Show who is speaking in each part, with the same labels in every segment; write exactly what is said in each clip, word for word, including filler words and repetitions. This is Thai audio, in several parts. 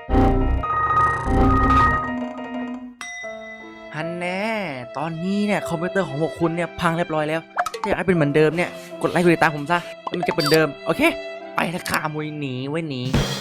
Speaker 1: ฮันแน่ตอนนี้เนี่ยคอมพิวเตอร์ของพวกคุณเนี่ยพังเรียบร้อยแล้วถ้าอยากให้เป็นเหมือนเดิมเนี่ยกดไลค์กดติดตามผมซะแล้วมันจะเป็นเดิมโอเคไปละค่ะมวยหนีไว้หนี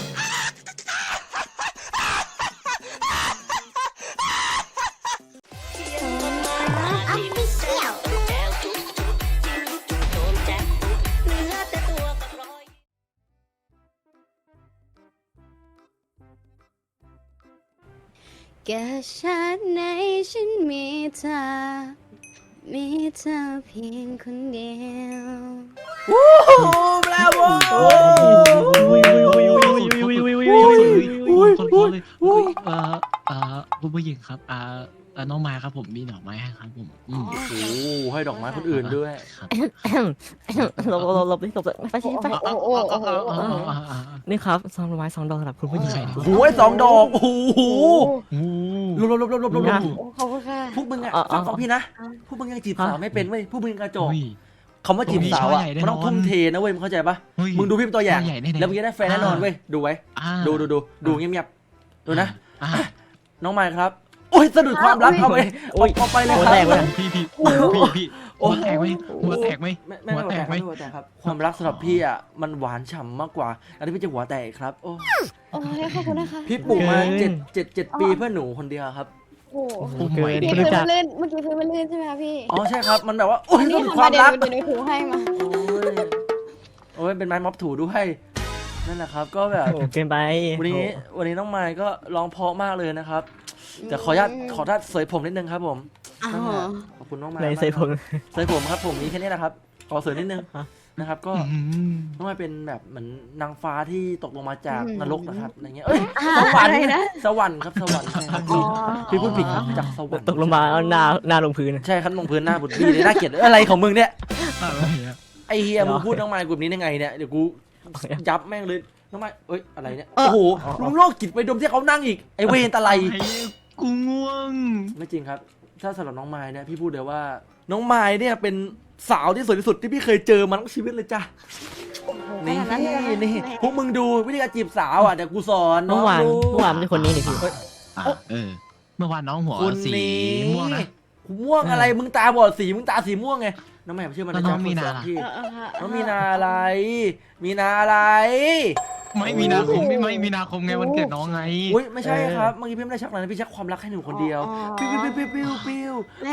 Speaker 2: แก่ชาติไหนฉันมีเธอมีเธอเพียงคนเดียว
Speaker 1: วู้บราโว
Speaker 3: อุ้ยอุ้ยอุ้ยอุ้ยอุ้ยอุ้ยอุ้ยอุ้ยคนคนเลยอุ้ยเอ่อเอ่อคุณผู้หญิงครับอ่าอ่าน้องไม้ครับผมมีดอกไม้ให้ครับผมอืม
Speaker 1: โอ้โหให้ดอกไม้คนอื่นด้วย
Speaker 3: ครับ
Speaker 4: หลบหลบหลบหลบไปสิไป
Speaker 3: อ๋ออ๋ออ๋ออ๋ออ๋ออ๋อ
Speaker 4: นี่ครับซองดอกไม้สองดอกสำหรับคุณผู้หญิง
Speaker 1: โอ้โหสองดอกโอ้โห
Speaker 3: โอ้
Speaker 1: ลบลบลบลบลบลบลบ
Speaker 2: โอ้ขอบคุณค่ะ
Speaker 1: พวกมึงอ่ะฟังฟังพี่นะพวกมึงยังจีบสาวไม่เป็นเว้ยพวกมึงกระจอก
Speaker 3: อุ้ย
Speaker 1: คำว่าจีบสาวอ่ะมันต้องทุ่มเทนะเว้ยมึงเข้าใจปะมึงดูพี่เป็นตัวอย่างแล้วมึงจะได้แฟนแน่นอนเว้ยดูไว้ดูดูดูดูเงียบๆดูนะน้องไมค์ครับโอ้ยสะดุดความรักเอาไปเอาไปเลยครับ
Speaker 3: พี่พี่พี่พี่หัวแตกไหมหัวแตกไหม
Speaker 1: ไม่ไม่หัวแตกไม่หัวแตกครับความรักสำหรับพี่อ่ะมันหวานฉ่ำมากกว่าอันนี้พี่จะหัวแตกครับโอ้
Speaker 2: โอ้ยขอบคุณนะคะ
Speaker 1: พี่ปลูกมาเจ็ดเจ็ดเจ็ดปีเพื่อหนูคนเดียวครับ
Speaker 2: โอ้
Speaker 3: โอ้ย
Speaker 2: เมื่อกี้พื้นมันลื่นเมื่อกี้พื้นมันลื่นใช่ไหมคะพี่
Speaker 1: อ๋อใช่ครับมันแบบว่าโอ้ย
Speaker 2: อัน
Speaker 1: สะ
Speaker 2: นี้
Speaker 1: ดุด
Speaker 2: ทำ
Speaker 1: ควา
Speaker 2: มา
Speaker 1: ม
Speaker 2: เดี๋ยว
Speaker 1: รัก
Speaker 2: เดี๋ยวหนูถูให้มา
Speaker 1: โอ้ยโอ้ยเป็นไม้ม็อบถูด้วยนั่นแหละครับก็แบบ
Speaker 4: เกินไป
Speaker 1: วันนี้วันนี้น้องไมค์ก็ร้องเพราะมากเลยนะครับแต่ขออนุญาตขออนุญาตเสยผมนิดนึงครับผม
Speaker 2: อ๋อ
Speaker 1: ขอบคุณน้องไมค์
Speaker 4: ในใส่ผม
Speaker 1: เสยผมครับผมมีแค่นี้แหละครับขอเสยนิดนึงนะครับก็
Speaker 3: อืม
Speaker 1: น้องไมค์เป็นแบบเหมือนนางฟ้าที่ตกลงมาจากนรกนะครับอะไรเงี้ยเอ้ยส
Speaker 2: ส
Speaker 1: ว
Speaker 2: ว
Speaker 1: ร
Speaker 2: ร
Speaker 1: ร
Speaker 2: ร
Speaker 1: ค์
Speaker 2: ค์นะ
Speaker 1: สวรรค์ครับสวรรค์ใช่ครับ
Speaker 2: อ๋อ
Speaker 1: พี่พูดผิดครับจากสวรรค์
Speaker 4: ตกลงมาเอาหน้าหน้าลงพื้น
Speaker 1: ใช่ครับลงพื้นหน้าบุตรดีเลยน่าเกลียดอะไรของมึงเนี่ย
Speaker 3: อะไรอ่ะ
Speaker 1: ไอเฮียมึงพูดน้องไมค์กลุ่มนี้ได้ไงเนี่ยเดี๋ยวกูยับแม่งเลยน้องไมค์เอ้ยอะไรเนี่ยโอ้โหลุงโลกจิตไปดมที่เขานั่งอีกไอเวนตะไล
Speaker 3: กูง่วง
Speaker 1: ไม่จริงครับถ้าสำหรับน้องไมค์เนี่ยพี่พูดเลยว่า น้องไมค์เนี่ยเป็นสาวที่สวยที่สุดที่พี่เคยเจอมาทั้งชีวิตเลยจ้ะนี่
Speaker 2: ขนาดนั้นเลยเหรอ
Speaker 1: นี่พวกมึงดูวิธีการจีบสาวอ่ะเดี๋ยวกูสอน
Speaker 4: เมื่อวาน
Speaker 1: ดู
Speaker 4: เมื่อวานเป็นคนนี้นี่พี่
Speaker 3: อ่าเออเมื่อวานน้องหัว
Speaker 1: คุณ
Speaker 3: สี
Speaker 1: นี่
Speaker 3: ม่วงนะ
Speaker 1: ม่วงอะไรมึงตาบอดสีมึงตาสีม่วงไงน้องแม่เชื่อมัน
Speaker 3: แล้วน้องมีนาล่ะ
Speaker 1: พี่
Speaker 2: เออเออเออ
Speaker 1: น้องมีนาอะไร มีนาอะไร
Speaker 3: ไม่มีนาคมไม่ไม่มีนาคมไงวันเกิดน้องไง
Speaker 1: อุ้ยไม่ใช่ครับเมื่อกี้พี่ไม่ได้ชักอะไรนะพี่ชักความรักให้หนูคนเดียวปิ้วปิ้วปิ้วปิ้วปิ้ว
Speaker 2: แม่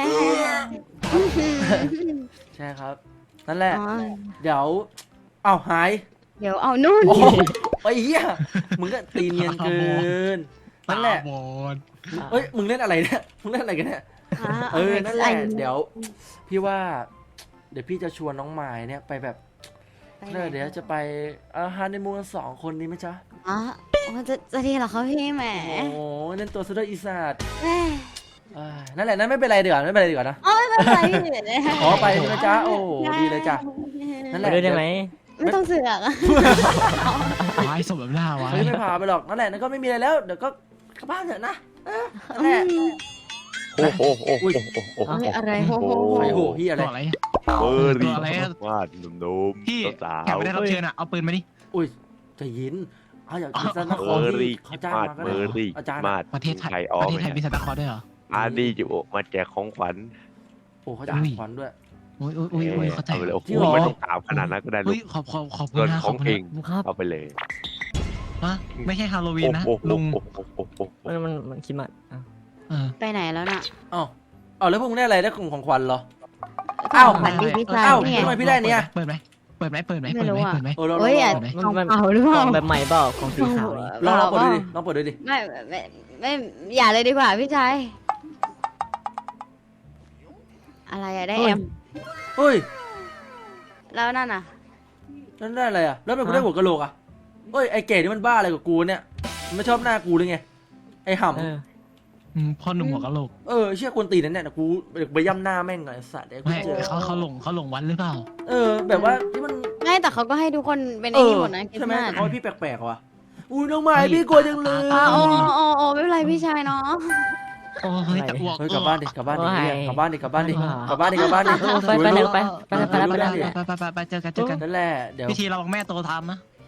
Speaker 1: ใช่ครับนั่นแหละ
Speaker 2: อ๋อ
Speaker 1: เดี๋ยวเอ้าหาย
Speaker 2: เดี๋ยวเอานู่น
Speaker 1: โอ้ไอ้เหี้ยมึงก็ตีเนียนเกินนั่นแหละ
Speaker 3: ตาบอด
Speaker 1: เอ้ยมึงเล่นอะไรเนี่ยมึงเล่นอะไรกันเนี่ยเออนั่นแหละเดี๋ยวพี่ว่า เดี๋ยวพี่จะชวนน้องไม้เนี่ยไปแบบเดี๋ยวจะไปอาหารในมูนสองคนนี้ไหมจ๊ะ
Speaker 2: อ๋อจะจะดีเหรอคะพี่แหม
Speaker 1: โอ้เล่นตัวซะด้วยอีสัตว์
Speaker 2: แม่
Speaker 1: อ่านั่นแหละนั่นไม่เป็นไรเดี๋ยวาไม่เป็นไรดีกว่านะ
Speaker 2: อ๋อไม่เป็นไรพี่เดี๋ยวเลย
Speaker 1: ขอไปใช่ไหมจ๊ะโอ้ดีเลยจ้ะนั่นแห
Speaker 4: ไป
Speaker 1: ละ
Speaker 4: ด้วยได้ไหม
Speaker 2: ไม่ต้องเสือกอะ
Speaker 3: วายสมแบบหน้าวาย
Speaker 1: เฮ้ยไม่พาไปหรอกนั่นแหละนั่นก็ไม่มีอะไรแล้วเดี๋ยวก็กลับบ้านเถอะนะเออนั่นแหละ
Speaker 5: โอ้โหโอ้โหโอ้โห
Speaker 2: เฮ้ยอะไรโหโห
Speaker 1: ไอ้โหพี่อะไร
Speaker 3: ตัวอะไร
Speaker 5: เบอร์รี่
Speaker 3: ตัวอะไรอะ
Speaker 5: วาดหนุ่ม
Speaker 3: พี่
Speaker 5: ๆสา
Speaker 3: แขก
Speaker 5: ว
Speaker 3: ไม่ได้รับเชิญอ่ะเอาปืนมาดิ
Speaker 1: อุ้ยใจะยินเอาอยากกินซะนค
Speaker 5: เบอ
Speaker 1: ร
Speaker 5: ร์รี่
Speaker 1: ที่เขาจ้าง
Speaker 5: มาด
Speaker 1: มาก็
Speaker 5: เบ
Speaker 1: ได้
Speaker 5: อร์รี่
Speaker 1: อาจารย์
Speaker 5: มาด
Speaker 3: ประเทศไทย
Speaker 5: ไทยออ
Speaker 3: ป
Speaker 5: ก
Speaker 3: ระเทศไทยมีซานตาคลอสด้วยเหรอ
Speaker 5: อาดีจะโอมาแจกของขวัญ
Speaker 1: โอ้เขาจะขวัญด้วย
Speaker 3: โอ้ยโอ้ยโอ้ยโอ้ยเข้าใจ
Speaker 5: เอาไปเลยโอ้โห
Speaker 1: จริงเหรอ
Speaker 5: ไม่ต้องถามขนาดนั้นก็ได้ลู
Speaker 3: เฮ้ย
Speaker 5: ก
Speaker 3: ขอบขอบขอบคุ
Speaker 5: เงิ
Speaker 3: ณ
Speaker 5: น
Speaker 3: นะ
Speaker 5: ของเอง
Speaker 4: ครับ
Speaker 5: เอาไปเลย
Speaker 3: ฮะไม่ใช่ฮาโลวีนนะ
Speaker 5: โอ้โห
Speaker 3: ลุง
Speaker 5: โอ้โหโอ้โหโอ้โห
Speaker 4: มันมันมันคิดมา
Speaker 3: เออ
Speaker 2: ไปไหนแล้วน่ะ
Speaker 1: อ้าวอ้าวแล้วพวกมึงได้อะไรได้ของของขวัญเหรอ
Speaker 2: อ้า
Speaker 1: อ้าว ว
Speaker 2: ขวัญดีพี่ชาย
Speaker 1: อ้าว
Speaker 2: นี่ไง
Speaker 1: ทำไมพี่ได้เนี่ย
Speaker 3: เปิดไหมเปิดไหมเปิดไหม
Speaker 2: ไม่
Speaker 3: เปิด
Speaker 2: รู้
Speaker 3: ไหม
Speaker 2: อะ
Speaker 3: เปิดไหม
Speaker 1: เออลอง
Speaker 2: เฮ้ยอ่ะ
Speaker 4: มัน
Speaker 2: ของ
Speaker 4: มัน
Speaker 2: เก่าหรือเป
Speaker 4: กล่
Speaker 2: ล่า
Speaker 4: องแบบใหม่เปล่าของสีขาวนี่
Speaker 1: ลองลองเปิดดูดิลองเปิดดูดิ
Speaker 2: ไม่ไม่ไม่อย่าเลยดีกว่าพี่ชายอะไรอะได้แอม
Speaker 1: เฮ้ย
Speaker 2: แล้วนั่นน่ะ
Speaker 1: นั่นได้อะไรอ่ะแล้วทำไมกูได้หัวกะโหลกอ่ะเฮ้ยไอ้เก๋นี่มันบ้าอะไรกับกูเนี่ยมันไม่ชอบหน้ากูหรือไงไอ้ห่ำ
Speaker 4: เออ
Speaker 3: อืมพ่อหนุ่มหัวกะโหลก
Speaker 1: เออเชี่ยกวนตีนนั่นเนี่ยกูไปย่ำหน้าแม่งไงไอ้สัตว์เดี๋ยวกู
Speaker 3: ไม่
Speaker 1: เจอ
Speaker 3: เขาเขาหลงเขาหลงวันหรือเปล่า
Speaker 1: เออ แบบว่าที่มัน
Speaker 2: ไม่แต่เขาก็ให้ทุกคนเป็น
Speaker 1: เอ
Speaker 2: ไอ้
Speaker 1: อ
Speaker 2: นี่หมดนะคิด
Speaker 1: ใช่ไหม
Speaker 2: ว่า
Speaker 1: แต่เขาให้พี่แปลกๆว่ะอุ้ยน้องไม้พี่กลัวจังเลย
Speaker 2: อ๋อโอ้โอ้โอ้ไม่เป็นไรพี่ชายเนาะ
Speaker 3: โอ้เฮ้ยจะอ้วก
Speaker 1: เฮ้ยกลับบ้านดิกลับบ้านดิ
Speaker 4: โอ้ย
Speaker 1: กลับบ้านดิกลับบ้านดิกลับบ้านดิกลับบ้านดิ
Speaker 4: เออไปไปเร็วไปไปไปไปไปไป
Speaker 3: ไปไปไปไปเจอกันเจอกัน
Speaker 1: นั่นแหละเดี๋ยว
Speaker 3: พิธีเราบอกแม่โตทำนะ
Speaker 1: เ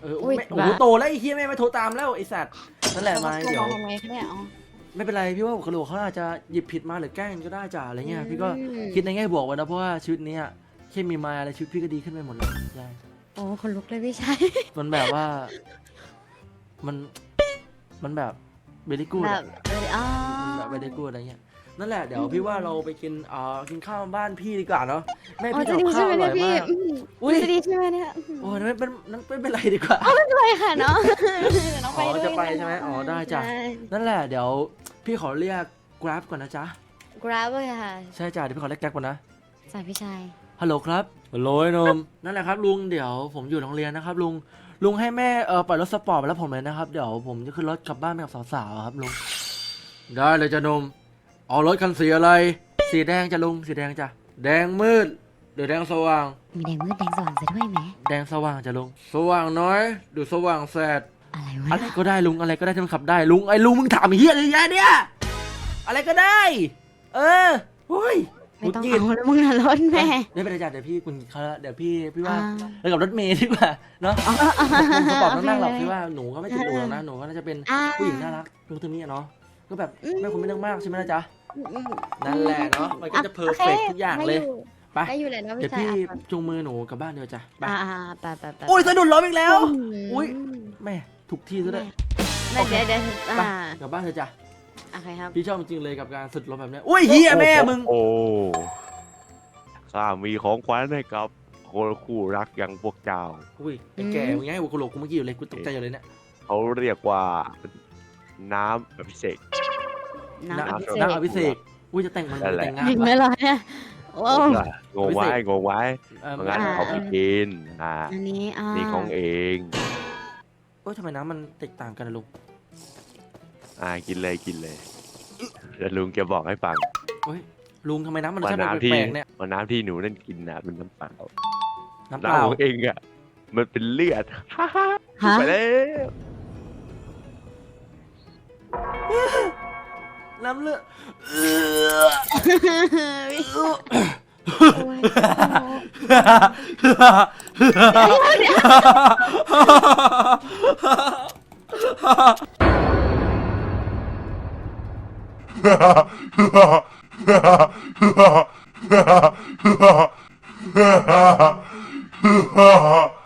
Speaker 1: เออ
Speaker 2: อุ๊ย
Speaker 1: แม่โอ้โหโตแล้วไอ้เฮียแม่ไม่โทรตามแล้วไอ้สัตว์นั่นแหละมาเดี๋ยว
Speaker 2: ทำไมคะเนี่ยอ๋อ
Speaker 1: ไม่เป็นไรพี่ว่าหัวกะโหลกเขาอาจจะหยิบผิดมาหรือแกล้งก็ได้จ้ะอะไรเงี้ยพี่ก็
Speaker 2: อืม
Speaker 1: คิดในแง่บวกไว้นะเพราะว่าชีวิตเนี้ยแค่มีมาอะไรชีวิตพี่ก็ดีขึ้นไปหมดเลยใช่
Speaker 2: โอ้คนลุกเลยพี่ชาย
Speaker 1: มันแบบว่ามันมันแบบเบลิกูด
Speaker 2: แบบเอออ๋อ
Speaker 1: แบบเบลิกูดอะไรเงี้ยนั่นแหละเดี๋ยวพี่ว่าเราไปกินอ่ากินข้าวบ้านพี่ดีกว่าเนาะแม่
Speaker 2: อ๋อ
Speaker 1: พี่
Speaker 2: จะ
Speaker 1: ทำ
Speaker 2: ดี
Speaker 1: ข้า
Speaker 2: ใช่
Speaker 1: ว
Speaker 2: ไหม
Speaker 1: อ
Speaker 2: เนี่
Speaker 1: ร่
Speaker 2: ย
Speaker 1: อย
Speaker 2: พี่
Speaker 1: มาก
Speaker 2: อืม
Speaker 1: อุ้ย
Speaker 2: จะดีใช่ไหมเนี่ย
Speaker 1: โอ้ยนั่นไม่เป็นนั่นไม่เป็นไรดีกว่า
Speaker 2: ไปค่ะเนาะเดี๋ยวน้องไป
Speaker 1: อ๋อ
Speaker 2: ด้วย
Speaker 1: จะไปใช่ไหมอ๋อได้จ้ะ
Speaker 2: ใช่
Speaker 1: นั่นแหละเดี๋ยวพี่ขอเรียก Grab ก่อนนะจ๊ะ
Speaker 2: Grab เลยค่ะ
Speaker 1: ใช่จ้ะเดี๋ยวพี่ขอเรียก Grab ก่อนนะ
Speaker 2: สายพี่ชาย
Speaker 1: ฮัลโหลครับฮัลโหลไอ้หนม นั่นแหละครับลุงเดี๋ยวผมอยู่โรงเรียนนะครับลุงลุงให้แม่เออปล่อยรถสปอร์ตไปแล้วผมเลยนะครับเดี๋ยวผมจะขึ้นรถกลับบ้านไปกับสาวๆครับลุงได้เลยจ้ะหนมเอารถคันสีอะไร สีแดงจ้ะลุงสีแดงจ้ะแดงมืดหรือแดงสว่าง
Speaker 2: มีแดงมืดแดงสว่างซะด้วยไหม
Speaker 1: แดงสว่างจ้ะลุงสว่างน้อยหรือสว่างแสด
Speaker 2: อะไร
Speaker 1: อะ
Speaker 2: วะ
Speaker 1: ไรก็ได้ลุงอะไรก็ได้ที่มันขับได้ลุงไอ้ลุงมึงถามไอ้เหี้ยอะไรแย่เนี่ยอะไรก็ได้ เออโอ้ย
Speaker 2: ไม่ต้องเอาแล้วมึงนะรถแม่
Speaker 1: ไม่เป็นไรจ้ะเดี๋ยวพี่คุณเขาเดี๋ยวพี่พี่ว่า
Speaker 2: อ่า
Speaker 1: ไปกับรถเมย์ดีกว่าเนาะ
Speaker 2: อ๋อ
Speaker 1: สปอร์ตต้องนั่งหรอก
Speaker 2: โอเค
Speaker 1: พี่ว่าหนูก็ไม่ติดหนูหรอกนะหนูก็น่าจะเป็น
Speaker 2: อ่า
Speaker 1: ผู้หญิงน่ารักตรงตรงนี้อะเนาะก็แบบ
Speaker 2: อืม
Speaker 1: ไม่ควรไม่เรื่องมากใช่ไหมล่ะจ๊ะ
Speaker 2: อืมอืม
Speaker 1: นั่นแหละเนาะมันก็จะเพอร์เฟกทุกอย่างเลยไป
Speaker 2: ได้อยู่เลยนะ
Speaker 1: เดี๋
Speaker 2: พี่
Speaker 1: ยว
Speaker 2: ชาย
Speaker 1: พี่
Speaker 2: อ่ะ
Speaker 1: จูงมือหนูกลับบ้านเดียวจ้ะไป
Speaker 2: อ่าอ่าไปไปไป
Speaker 1: โอ้ยสะดุดล้มอีกแล้ว
Speaker 2: ม
Speaker 1: อุ๊ย แม่ถูกที่ซะด้วย
Speaker 2: แม่เดี๋ยวเดี๋ยว
Speaker 1: ไป
Speaker 2: อ่าก
Speaker 1: ลับบ้านเถอะจ้ะ
Speaker 2: โอเคครับ
Speaker 1: พี่ชอบจริงๆเลยกับการสะดุดล้มแบบเนี้ยอุ้ยเฮียแม่มึง
Speaker 5: โอ้ข้ามีของขวัญให้กับคนคู่รักอย่างพวกเจ้า
Speaker 1: อุ้ยไอ้แก่มึงไงหัวกะโหลกกูเมื่อกี้อยู่เลยกูตกใจอยู่เลยเนี่ย
Speaker 5: เขาเรียกว่าน้ำอภิเษก
Speaker 2: น้ำอภิเษ
Speaker 1: น้ำ
Speaker 2: ก
Speaker 1: อภิเษกอุ้ยจะแต่งมัน
Speaker 5: นั่นแหละ
Speaker 1: แต่งงาน
Speaker 2: ถึงไหม
Speaker 1: วะ
Speaker 2: ล่ะเนี่ยโอ้
Speaker 5: งงไว้งงไว้
Speaker 1: เออ
Speaker 5: งั้น
Speaker 2: อ่า
Speaker 5: เขาไปกินอ่า
Speaker 2: อันนี้อ่า
Speaker 5: นี่ของเอง
Speaker 1: โอ้ยทำไมน้ำมันแตกต่างกันนะลุง
Speaker 5: อ่ากินเลยกินเลยเดี๋ยวลุงจะบอกให้ฟัง
Speaker 1: เฮ้ยลุงทำไมน้ำมัน
Speaker 5: ว่า
Speaker 1: ใช่แบบ
Speaker 5: น้ำที่
Speaker 1: แปลกๆเนี่ย
Speaker 5: ว่าน้ำที่หนูนั่นกินน่ะเป็นน้ำเปล่า
Speaker 1: น้ำเป
Speaker 5: น้ำ
Speaker 1: ล่า
Speaker 5: ของเองอ่ะมันเป็นเลือด ฮ่าฮ่า
Speaker 2: ฮะ
Speaker 5: ไปแล้ว
Speaker 1: น้ำเลือด
Speaker 2: โอ้ย
Speaker 6: ha ha ha ha